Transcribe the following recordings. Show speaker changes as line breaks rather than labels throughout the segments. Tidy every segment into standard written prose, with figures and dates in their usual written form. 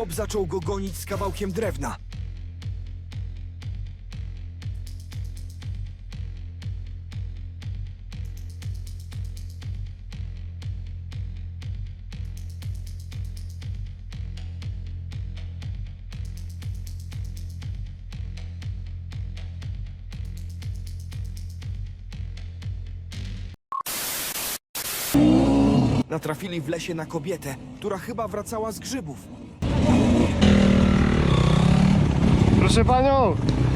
chłop zaczął go gonić z kawałkiem drewna. Natrafili w lesie na kobietę, która chyba wracała z grzybów.
Proszę panią!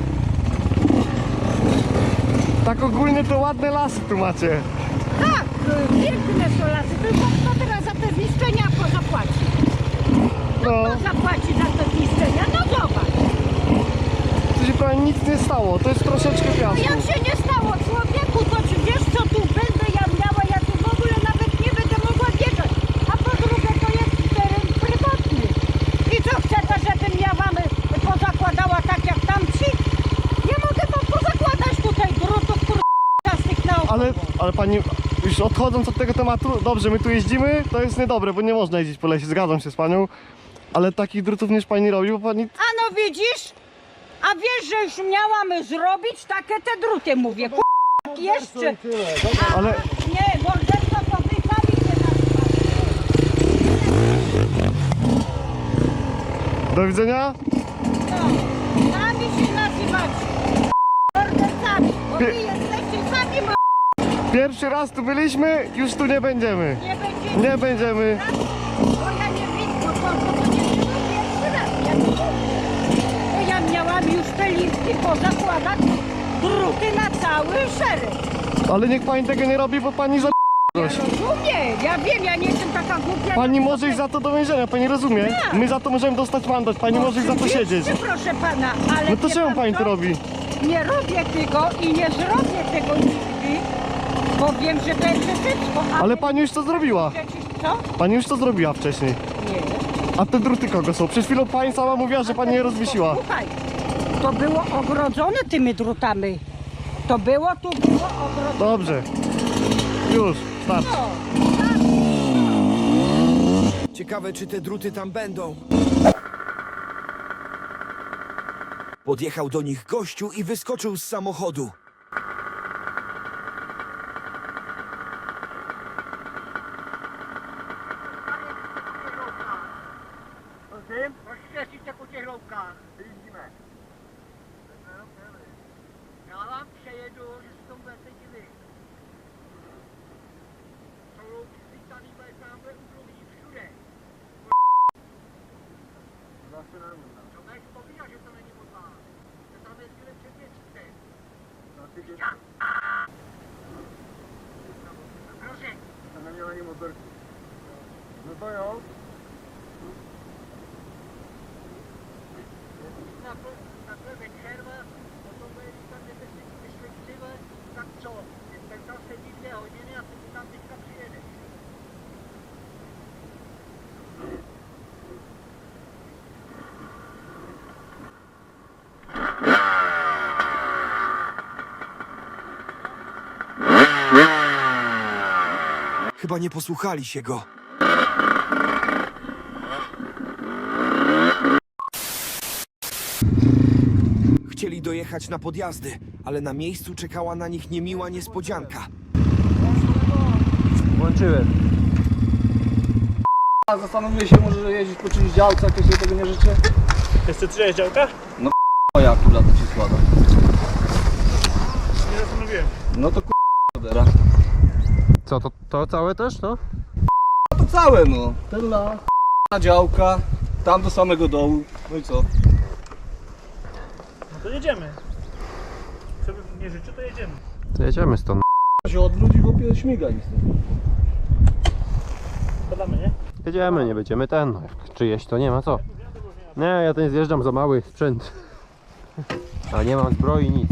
Tak ogólnie to ładne lasy tu macie.
Tak, piękne są lasy, tylko kto teraz za te zniszczenia zapłaci?
No,
Kto zapłaci za te zniszczenia? No zobacz.
tu się prawie nic nie stało, to jest troszeczkę piasku.
Jak się nie stało człowieku, to czy wiesz co tu będę ja miała? Ja tu w ogóle nawet nie będę mogła wjechać. A po drugie to jest teren prywatny. I co chcecie, żebym ja wam pozakładała tak jak tamci? Nie mogę wam pozakładać tutaj drutów kurczastych naokoło.
Ale pani, już odchodząc od tego tematu, dobrze, my tu jeździmy, to jest niedobre, bo nie można jeździć po lesie, zgadzam się z panią. Ale takich drutów niż pani robi, bo pani...
A no widzisz? A wiesz, że już miałam zrobić takie te druty, mówię. Jak jeszcze?
Ale...
Nie, morderstwo to wy sami się nazywacie.
Do widzenia?
No, sami się nazywacie. Mordercami, bo wy jesteście sami
Pierwszy raz tu byliśmy, już tu nie będziemy.
nie będziecie.
Nie będziemy.
Bo ja nie widzę, to nie było pierwszy raz. Ja nie wiem. Bo ja miałam już te listy pozakładać druty na cały szereg.
Ale niech pani tego nie robi, bo pani za...
Ja rozumiem, ja wiem, ja nie jestem taka głupia.
Pani może iść za to do więzienia, pani rozumie?
Tak.
My za to możemy dostać mandat, pani może iść za to
Oczywiście,
siedzieć.
proszę pana, ale
No to
wie
czemu
pan
pani
co?
to robi?
Nie robię tego i nie zrobię tego nigdy, bo wiem, że to jest przestępstwo.
Ale pani już to zrobiła.
Co?
Pani już to zrobiła wcześniej.
Nie.
A te druty kogo są? Przed chwilą pani sama mówiła, że pani je rozwiesiła.
Słuchaj, to było ogrodzone tymi drutami. To było ogrodzone.
Dobrze. Już, starczy.
Ciekawe, czy te druty tam będą. Podjechał do nich gościu i wyskoczył z samochodu.
Rozświecić jak u tych ląkach. Jeździmy. Ja wam przejedu, że stąd będziecie wy. Są louki zlitaný, bo jest tam u druhý, všude. Člověk vzpomíná, že to není moc vás. Že tam jezdili před měsícem. Prosím.
Tam neměl ani motorku. No to jo.
Takhle večer vás, potom bude, když tam jdete si myslíci, tak co? Ten tam sedí 2 hodiny a ty tam teďka přijedeš.
Chyba nie posłuchali się go. Chcieli dojechać na podjazdy, ale na miejscu czekała na nich niemiła niespodzianka.
Włączyłem. Zastanowię się, może jeździć po czymś działce, jak ja sobie tego nie życzę.
Jeszcze 3 działka?
Moja akurat to się składa.
Nie zastanowiłem.
No to k***a.
Co, to całe też, no?
To całe no. Ten las, działka, tam do samego dołu. No i co?
No to jedziemy. Co bym nie życzy, to jedziemy.
To jedziemy stąd.
Się od ludzi w opie śmiga nic.
Podamy, nie?
Jedziemy, nie będziemy ten. No, jak czyjeś to nie ma co. Nie, ja ten zjeżdżam za mały sprzęt. A nie mam zbroi, nic.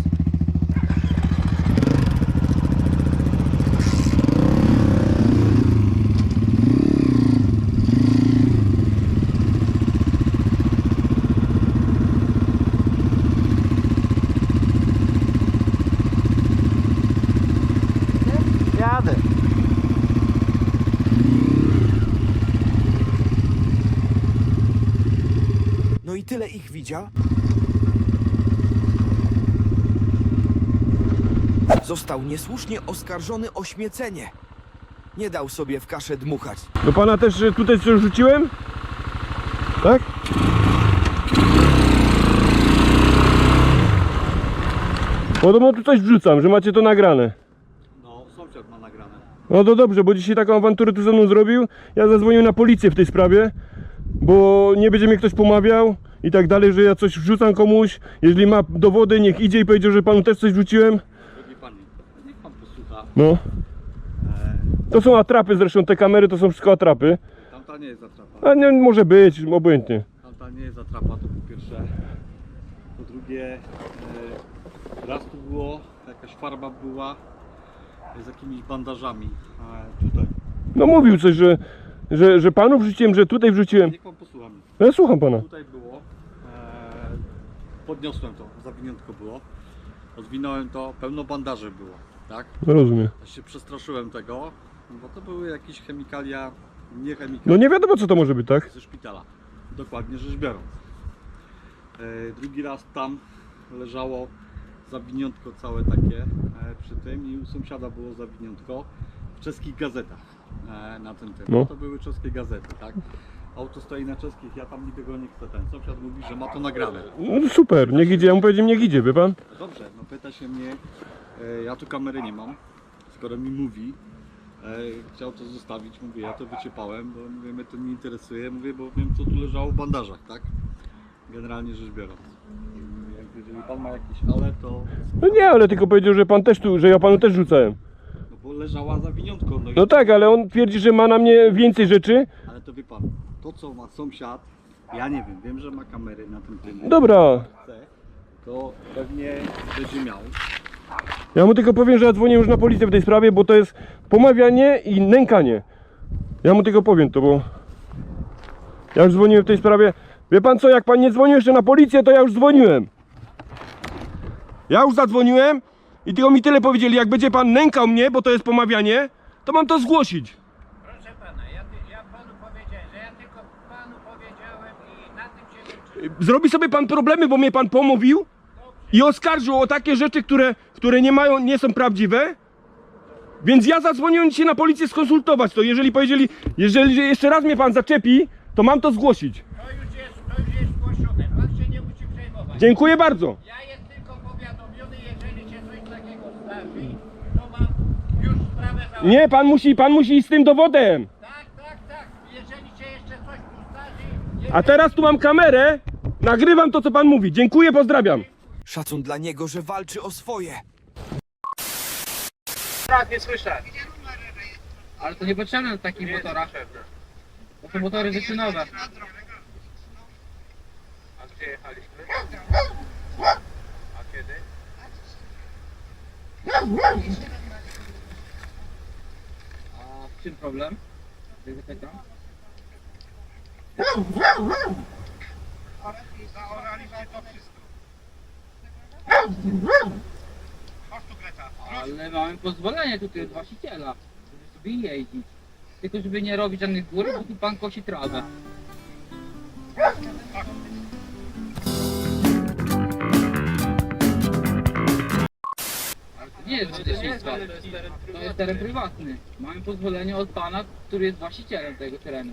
Jadę.
tyle ich widział? Został niesłusznie oskarżony o śmiecenie. Nie dał sobie w kaszę dmuchać.
Do pana też tutaj coś rzuciłem? Tak? Podobno tu coś wrzucam, że macie to nagrane.
No, sąsiad ma nagrane.
No to dobrze, bo dzisiaj taką awanturę tu ze mną zrobił. Ja zadzwoniłem na policję w tej sprawie, bo nie będzie mnie ktoś pomawiał i tak dalej, że ja coś wrzucam komuś. Jeżeli ma dowody, niech idzie i powiedział, że panu też coś wrzuciłem.
Drogi panie, niech pan posłucha.
No. To są atrapy zresztą, te kamery to są wszystko atrapy.
Tamta nie jest atrapa.
A nie, może być, obojętnie.
Tamta nie jest atrapa, to po pierwsze. Po drugie, raz tu było, jakaś farba była z jakimiś bandażami. Tutaj.
No mówił coś, że panu wrzuciłem, że tutaj wrzuciłem.
Niech pan posłucha mnie.
No ja słucham pana.
Tutaj było, podniosłem to, zawiniątko było, rozwinąłem to, pełno bandaży było, tak?
Rozumiem.
Ja się przestraszyłem tego, bo to były jakieś chemikalia, nie
No
chemikalia
nie wiadomo co to może być, tak?
ze szpitala, dokładnie rzecz biorąc. Drugi raz tam leżało zawiniątko całe takie przy tym i u sąsiada było zawiniątko w czeskich gazetach na tym tym.
No.
To były czeskie gazety, tak? Auto stoi na czeskich, ja tam nikogo nie chcę. Ten sąsiad mówi, że ma to nagrane.
No super, niech idzie, ja mu powiedziałem niech idzie, wie pan?
Dobrze, no pyta się mnie, ja tu kamery nie mam, skoro mi mówi, chciał to zostawić, mówię, ja to wyciepałem, bo mówię, mnie to nie interesuje, mówię, bo wiem co tu leżało w bandażach, tak? Generalnie rzecz biorąc. Jeżeli pan ma jakieś ale, to...
No nie, ale tylko powiedział, że pan też tu, że ja panu też rzucałem.
No bo leżała zawiniątko, no i...
No tak, ale on twierdzi, że ma na mnie więcej rzeczy.
Ale to wie pan, to co ma sąsiad, ja nie wiem że ma kamery na tym tym.
Dobra,
To pewnie będzie miał.
ja mu tylko powiem, że ja dzwonię już na policję w tej sprawie, bo to jest pomawianie i nękanie. Ja mu tylko powiem to, bo ja już dzwoniłem w tej sprawie. Wie pan co, jak pan nie dzwonił jeszcze na policję, to ja już dzwoniłem. Ja już zadzwoniłem i tylko mi tyle powiedzieli, jak będzie pan nękał mnie, bo to jest pomawianie, to mam to zgłosić.
Proszę pana, ja panu powiedziałem, że ja tylko panu powiedziałem i na tym się kończy.
Zrobi sobie pan problemy, bo mnie pan pomówił i oskarżył o takie rzeczy, które nie są prawdziwe. Więc ja zadzwoniłem dzisiaj na policję skonsultować to. Jeżeli jeszcze raz mnie pan zaczepi, to mam to zgłosić.
To już jest zgłoszone, pan się nie musi przejmować.
Dziękuję bardzo.
Ja jestem tylko powiadomiony, jeżeli się coś takiego zdarzy, to mam już sprawę załatwioną.
Nie, pan musi iść z tym dowodem.
Tak, jeżeli się jeszcze coś tu zdarzy...
A teraz tu mam kamerę, nagrywam to, co pan mówi. Dziękuję, pozdrawiam.
Szacun dla niego, że walczy o swoje.
Raz nie słyszę. Ale to niepotrzebne na takich motorach. Bo to motory wyczynowe. A gdzie jechaliśmy? A kiedy? A w czym problem? Zapytam.
Zaoraliśmy to wszystko. Chodź tu, Greta.
Ale mamy pozwolenie tutaj od właściciela, żeby sobie jeździć. Tylko żeby nie robić żadnych gór, bo tu pan kosi trawę. Ale to nie jest leśnictwo, to jest teren prywatny. Mamy pozwolenie od pana, który jest właścicielem tego terenu.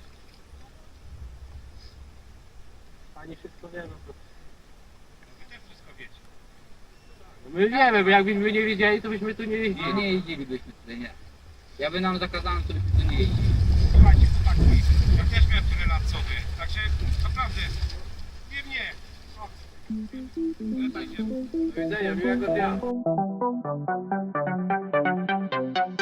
Pani wszystko wie, no to... Wy też wszystko wiecie.
My wiemy, bo jakbyśmy nie wiedzieli, to byśmy tu nie jeździli. Nie jeździlibyśmy tutaj, nie. Ja by nam zakazano, to byśmy tu nie jeździli.
Słuchajcie, chłopaki, ja też miałem tyle lat co wy, także naprawdę, nie mnie. Do widzenia, miłego dnia.